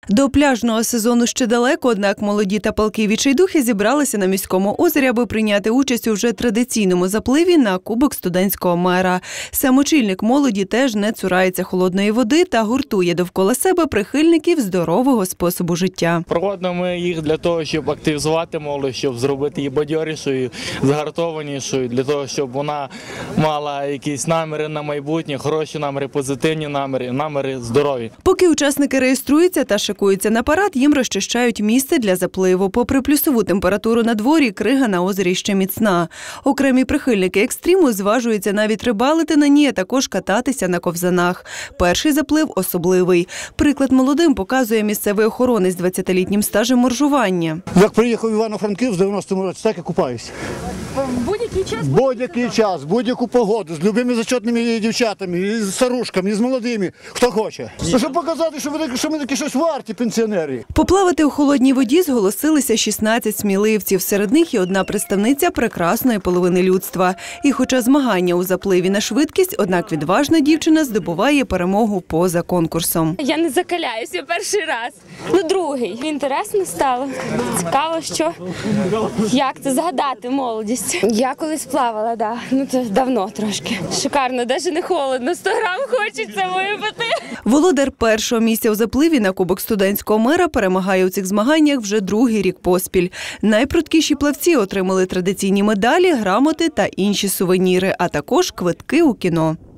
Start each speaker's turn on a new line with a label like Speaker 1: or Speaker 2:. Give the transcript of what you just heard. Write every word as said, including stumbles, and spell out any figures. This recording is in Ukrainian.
Speaker 1: До пляжного сезону ще далеко, однак молоді та палкі відчайдухи зібралися на міському озері, аби прийняти участь у вже традиційному запливі на Кубок студентського мера. Сам очільник молоді теж не цурається холодної води та гуртує довкола себе прихильників здорового способу життя.
Speaker 2: Проводимо ми їх для того, щоб активізувати молодь, щоб зробити її бадьорішою, згартованішою, для того, щоб вона мала якісь наміри на майбутнє, хороші наміри, позитивні наміри, наміри здорові.
Speaker 1: Поки учасники реєструються та шикуються на парад, їм розчищають місце для запливу. Попри плюсову температуру на дворі, крига на озері ще міцна. Окремі прихильники екстриму зважуються навіть рибалити на ній, а також кататися на ковзанах. Перший заплив особливий. Приклад молодим показує місцевий охоронець з двадцятилітнім стажем моржування.
Speaker 3: Як приїхав в Івано-Франківськ в дев'яностому році, так і купаюся.
Speaker 4: Будь-який час?
Speaker 3: Будь-який час, будь-яку погоду, з любими зачетними дівчатами, з старушками, з молодими, хто хоче. Щоб показати, що ми, що ми такі щось варті, пенсіонери.
Speaker 1: Поплавати у холодній воді зголосилися шістнадцять сміливців. Серед них і одна представниця прекрасної половини людства. І хоча змагання у запливі на швидкість, однак відважна дівчина здобуває перемогу поза конкурсом.
Speaker 4: Я не закаляюся перший раз, ну другий. Інтересно стало, цікаво, що, як це згадати молодість. Я колись плавала, да. Ну це давно трошки. Шикарно, навіть не холодно, сто грам хочеться випити.
Speaker 1: Володар першого місця у запливі на Кубок студентського мера перемагає у цих змаганнях вже другий рік поспіль. Найпрудкіші плавці отримали традиційні медалі, грамоти та інші сувеніри, а також квитки у кіно.